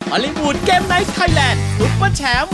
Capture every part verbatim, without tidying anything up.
ฮอลลีวูดเกมไนท์ไทยแลนด์ซุปเปอร์แชมป์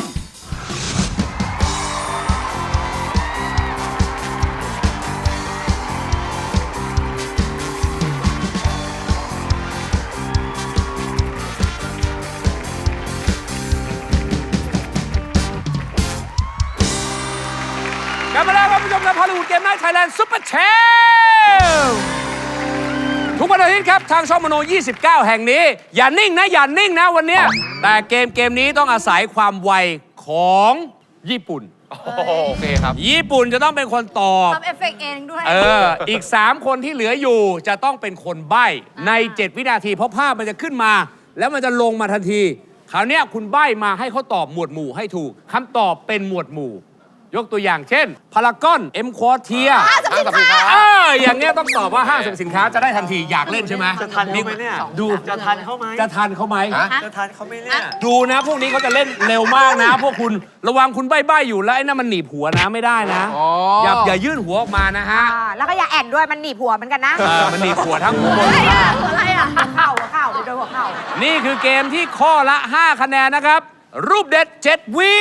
กลับมาแล้วครับผู้ชมครับฮอลลีวูดเกมไนท์ไทยแลนด์ซุปเปอร์แชมป์ทุกวันอาทิตย์ครับทางช่องมโน ยี่สิบเก้า แห่งนี้ อย่านิ่งนะ อย่านิ่งนะวันเนี้ยแต่เกมเกมนี้ต้องอาศัยความไวของญี่ปุ่นโอเคครับญี่ปุ่นจะต้องเป็นคนตอบทำเอฟเฟกต์เองด้วยเออ อีก สาม คนที่เหลืออยู่จะต้องเป็นคนใบ้ใน เจ็ด วินาที เพราะภาพมันจะขึ้นมา แล้วมันจะลงมาทันที คราวเนี้ยคุณใบ้มาให้เขาตอบหมวดหมู่ให้ถูกคำตอบเป็นหมวดหมู่ ยกตัวอย่างเช่น พารากอน เอ็มควอเทียห้างสรรพสินค้าเอออย่างเงี้ยต้องตอบว่าห้างสรรพสินค้าจะได้ทันทีอยากเล่นใช่ไหมจะทันเขาไหมเนี่ยดูจะทันเขาไหมจะทันเขาไหมจะทันเขาไหมเนี่ยดูนะ พวกนี้เขาจะเล่นเร็วมากนะ พวกคุณระวังคุณใบ้ๆอยู่แล้วไอ้นั่นมันหนีบหัวนะไม่ได้นะอ๋ออย่าอย่ายื่นหัวออกมานะฮะอ่าแล้วก็อย่าแอนด้วยมันหนีบหัวเหมือนกันนะเออมันหนีบหัวทั้งหมดอะไรอ่ะหัวอะไรอ่ะหัวเข่าหัวเข่าไปโดนหัวเข่านี่คือเกมที่ข้อละ ห้า คะแนนนะครับ รูปเด็ด เจ็ด วิ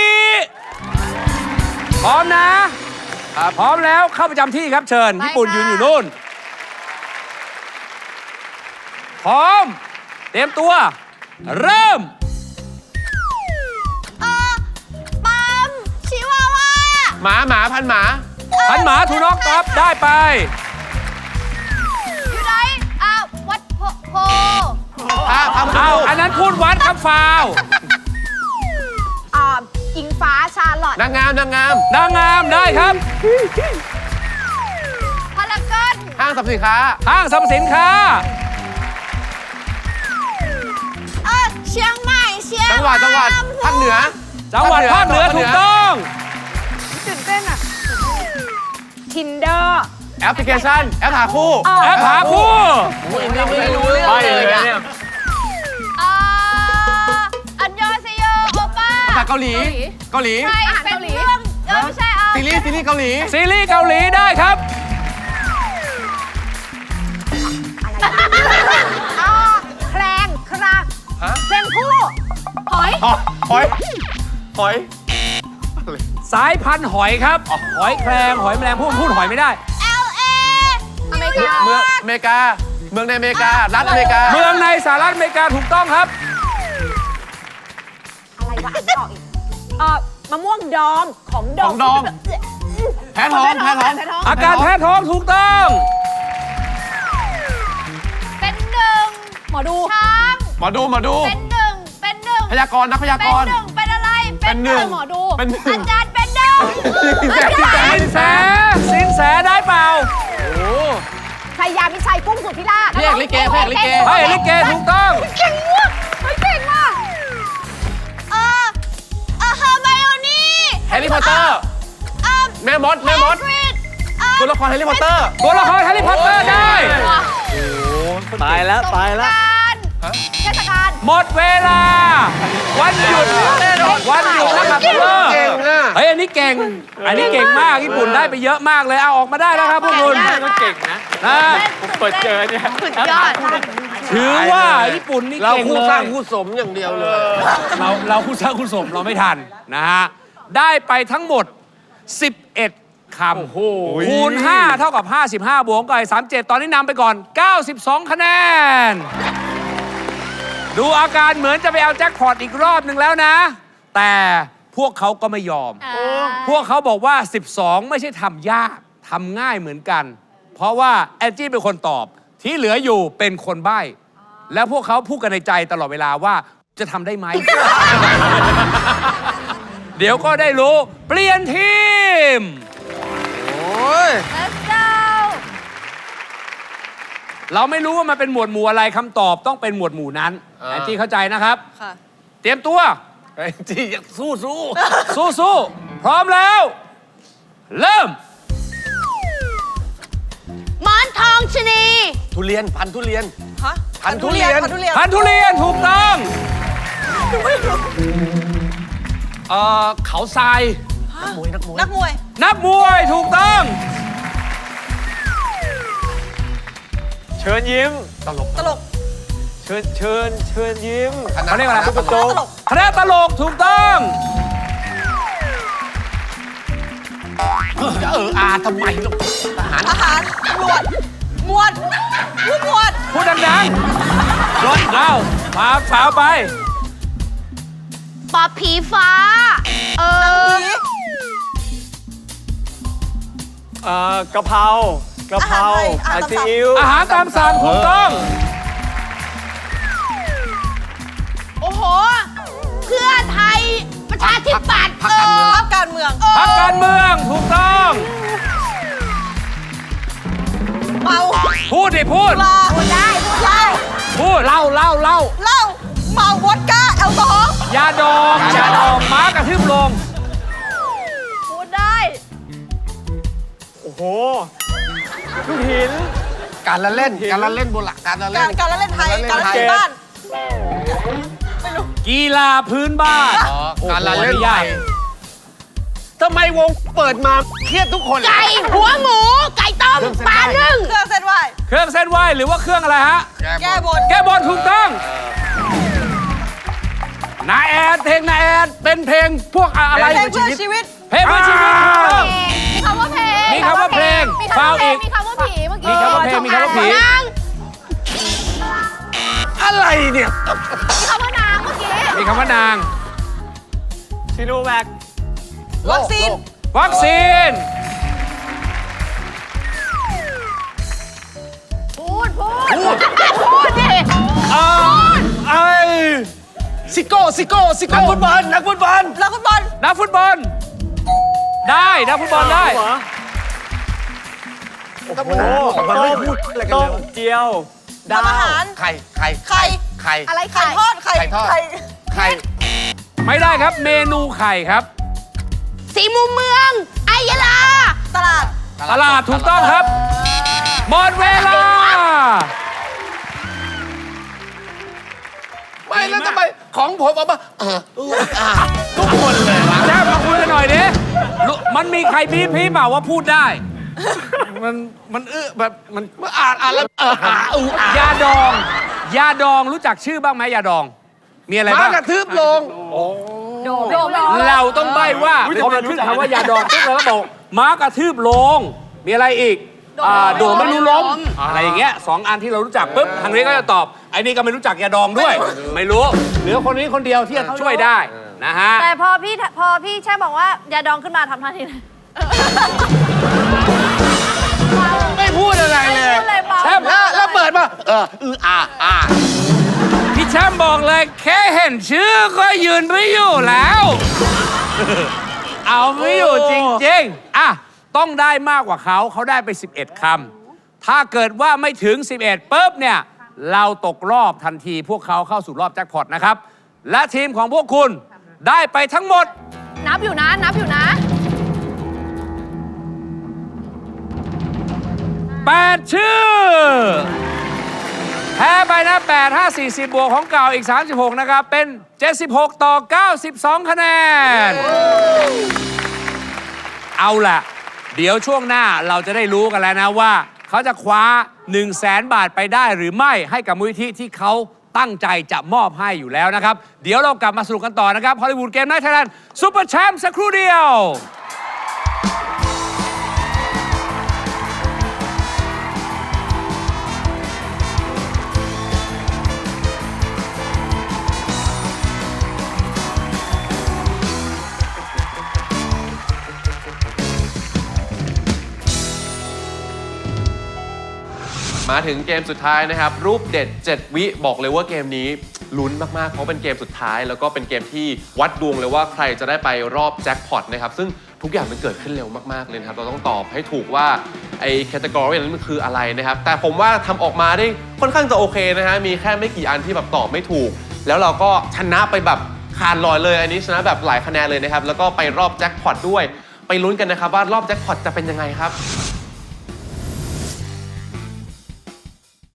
พร้อมนะพร้อมแล้วเข้าประจำที่ครับเชิญไปญี่ปุ่นค่ะยืนอยู่นู่น พร้อม เตรียมตัว เริ่มเออปั๊มชิวาว่าหมาหมาพันหมาพันหมาทูน็อกตอบได้ไปอยู่ไหนอ่าวัดโพโพพาพาเอาอันนั้นพูดวัดครับฟาวอ่าอิงฟ้าชาลอตนางงามนางงามนางงามได้ครับพารากอนห้างสรรพสินค้าห้างสรรพสินค้าเออเชียงใหม่เชียงจังหวัดจังหวัดภาคเหนือจังหวัดภาคเหนือถูกต้องตื่นเต้นอ่ะ Tinder แอปพลิเคชัน แอปหาคู่แอปหาคู่ไม่รู้เรื่องไปเลเลย ยอะเนี่ยอ่าอันยองเซโยโอป้าภาษาเกาหลี เกาหลีใช่เป็นเรื่องเออไม่ใช่เอาซีรีส์ซีรีส์เกาหลีซีรีส์เกาหลีได้ครับอ่าแคลงครางเพลงคู่หอยหอยหอย หอยสายพันธุ์หอยครับ หอยแครงหอยแมลงพูดพูดหอยไม่ได้เอลเออเมริกาเมืองอเมริกา เมืองในอเมริกา รัฐอเมริกาเมืองในสหรัฐอเมริกาถูกต้องครับอะไรวะอ่านไม่ออกอีกเอ่อมะม่วงดองของดขออง งดอง แพ้ท้อง แพ้ท้องอาการแพ้ท้องถูกต้องเป็นหนึ่งหมอดูช้างหมอดู หมอดูเป็นหนึ่งเป็นหนึ่งพยากรณ์นักพยาเป็กนรณ์หนึ่งเป็นอะไรเป็นหนึ่งหมอดูเป็นหนึ่งอาจารย์เป็นหนึ่งสินแสสินแสได้เปล่าโอ้ชัยยามิชัยกุ้งสุธิราชพี่เอกลิเกพี่เอกลิเกไอ้ลิเกถูกต้องเก่งมากเฮ้ยเก่งมากเออเออเฮอร์ไมโอนี่แฮร์รี่พอตเตอร์เออแม่มด แม่มดแฮกริดเออตัวละครแฮร์รี่พอตเตอร์ตัวละครแฮร์รี่พอตเตอร์ได้ตายแล้ว ตายแล้วสงกรานต์เทศกาลหมดเวลา วันหยุดวันหยุดนะครับเลิกเก่งอ่ะเฮ้ยอันนี้เก่ง อันนี้เก่งมากญี่ปุ่นได้ไปเยอะมากเลยเอาออกมาได้แล้วครับพวกคุณก็เก่งนะนะผมเปิดเจอเนี่ยสุดยอดถือว่าญี่ปุ่นนี่เราเก่งคู่เลสร้างยคู่สมอย่างเดียวเลยเราเราคู่สร้างคู่สมเราไม่ทันนะฮะ ได้ไปทั้งหมด สิบเอ็ด คำคูณ ห้า เท่ากับ ห้าสิบห้า บวกกับสามสิบเจ็ด ตอนนี้นำไปก่อน เก้าสิบสอง คะแนน ดูอาการเหมือนจะไปเอาแจ็คพอตอีกรอบหนึ่งแล้วนะ แต่พวกเขาก็ไม่ยอม พวกเขาบอกว่า สิบสอง ไม่ใช่ทำยากทำง่ายเหมือนกัน เพราะว่าแอนจี้เป็นคนตอบ ที่เหลืออยู่เป็นคนใบ้ แล้วพวกเขาพูดกันในใจตลอดเวลาว่าจะทำได้ไหม เดี๋ยวก็ได้รู้ เปลี่ยนทีมโอ้ย Let's go เราไม่รู้ว่ามันเป็นหมวดหมู่อะไรคำตอบต้องเป็นหมวดหมู่นั้นอ่าแอนจี้เข้าใจนะครับค่ะเตรียมตัวไอ้จีสู้สู้สู้สู้พร้อมแล้ว เริ่มหมอนทองชะนีทุเรียน พันธุ์ทุเรียนฮะพันธุ์ทุเรียนพันธุ์ทุเรียนถูกต้องเอ่อเขาทรายนักมวย นักมวยนักมวยนักมวยถูกต้องเชิญยิ้มตลกตลกเชิญเชิญเชิญยิ้มเขาเรียกอะไรคณะตลกคณะตลกถูกต้องเอออาทำไมลูกทหารทหารตำรวจหมวดผู้หมวดพูดดังๆรถเอามาฝาวไปปอบผีฟ้า เออเอ่อกะเพรากะเพราอาหารไทยอาซีอิ๊วอาหารตามสั่งถูกต้องโอ้โห เพื่อไทยประชาธิปัตย์เออพักการเมืองพรรคการเมืองถูกต้องเมาพูดดิพูดลาพูดได้พูดได้พูดเล่าเล่าเล่าเหล้าเมาวอดก้าแอลกอฮอล์ยาดองยาดองม้ากระทืบลงพูดได้โอ้โหลูกหินการละเล่นการละเล่นโบราณการละเล่กาน รการละเล่นไทยการละเล่นบ้านกีฬาพื้นบ้านอ๋อการละเล่นโอ้โหใหญ่ทำไมวงเปิดมาเครียดทุกคนไก่หัวหมู ไก่ต้มปลานึ่งเครื่องเส้นไหวเครื่องเส้นไหวหรือว่าเครื่องอะไรฮะแก้บนแก้บนถูกต้องนาแอดเพลงนาแอดเป็นเพลงพวกอะไรเพลงเพื่อชีวิตเพลงเพื่อชีวิตถูกต้องมีคำว่าเพลงมีคำว่าเพลงมีคำฟาวว่าเพลอีงกมีคำว่าผีเมื่อมีกี้คำว่าเพลงมีคำว่าผีนางอะไรเนี่ยมีคำว่านางเมื่อกี้มีคำว่านางชิโนแวควัคซีนวัคซีนพูดพูดพูดดิเออไอซิโก้ซิโก้ซิโก้นักฟุตบอลนักฟุตบอลนักฟุตบอลนักฟุตบอล ได้นักฟุตบอลได้เหรอโอ้โหต้มต้มเจียวดาทำอาว หารไข่ไข่ไข่ไข่อะไรไข่ทอด ไข่ไข่ทอด ไข่ไม่ได้ครับเมนูไข่ครับสีมุมเมืองไอยะลา ตลาดตลาดถูกต้องครับหมดเวลาไม่แล้วทำไมของผมเอามาเอออู้อ่าทุกคนเลยวะแจ้งมาคุยกันหน่อยดิลุมันมีใครพีพีเปล่าว่าพูดได้มันมันเออแบบมันอ่านอ่านแล้วเอออ่าอู้อ่ายาดอง ยาดองรู้จักชื่อบ้างไหมยาดอง มีอะไรม้าบ้างกระทืบลงโดมโดมโดมเราต้องใบ้ว่าพอมันขึ้นคำว่ายาดองปุ๊บเราก็บอกม้ากระทืบลง มีอะไรอีกอ่าโดดไม่รู้ล้มอะไรอย่างเงี้ยสองอันที่เรารู้จักปุ๊บทางนี้ก็จะตอบไอ้นี่ก็ไม่รู้จักยาดองด้วย ไม่รู้เหลือคนนี้คนเดียวที่จะช่วยได้นะฮะแต่พอพี่พอพี่แช่บอกว่ายาดองขึ้นมาทำท่าทีเลยไม่พูดอะไรเลยพูดเลยเปล่าแช่มแล้วแล้วเปิดมาเอออืออ่าอ่าพี่แชมป์บอกเลยแค่เห็นชื่อก็ยืนไม่อยู่แล้ว เอาไม่อยู่จริงๆอ่ะต้องได้มากกว่าเขาเขาได้ไปสิบเอ็ดคำถ้าเกิดว่าไม่ถึงสิบเอ็ดปุ๊บเนี่ยเราตกรอบทันทีพวกเขาเข้าสู่รอบแจ็คพอตนะครับและทีมของพวกคุณได้ไปทั้งหมดนับอยู่นะ นับอยู่นะแปด ชื่อ แพ้ไปนะแปด ห้า สี่ สิบ บวกของเก่าอีก สามสิบหก นะครับ เป็น เจ็ดสิบหก ต่อ เก้าสิบสอง คะแนน เอาล่ะ เดี๋ยวช่วงหน้าเราจะได้รู้กันแล้วนะว่า เขาจะคว้า 1 0 0 0 0แสนบาทไปได้หรือไม่ให้กับมูลนิธิที่เขาตั้งใจจะมอบให้อยู่แล้วนะครับ เดี๋ยวเรากลับมาสนุกกันต่อนะครับฮอลลีวูดเกมไนท์ไทยแลนด์ซุปเปอร์แชมป์สักครู่เดียวมาถึงเกมสุดท้ายนะครับ รูปเด็ด เจ็ด วิบอกเลยว่าเกมนี้ลุ้นมาก ๆ เพราะเป็นเกมสุดท้าย แล้วก็เป็นเกมที่วัดดวงเลยว่าใครจะได้ไปรอบแจ็คพอตนะครับ ซึ่งทุกอย่างมันเกิดขึ้นเร็วมาก ๆ เลยนะครับ เราต้องตอบให้ถูกว่าไอ้แคตตากรีนั้นมันคืออะไรนะครับ แต่ผมว่าทำออกมาได้ค่อนข้างจะโอเคนะฮะมีแค่ไม่กี่อันที่แบบตอบไม่ถูก แล้วเราก็ชนะไปแบบขาดลอยเลยอันนี้ชนะแบบหลายคะแนนเลยนะครับแล้วก็ไปรอบแจ็คพอตด้วยไปลุ้นกันนะครับว่ารอบแจ็คพอตจะเป็นยังไงครับ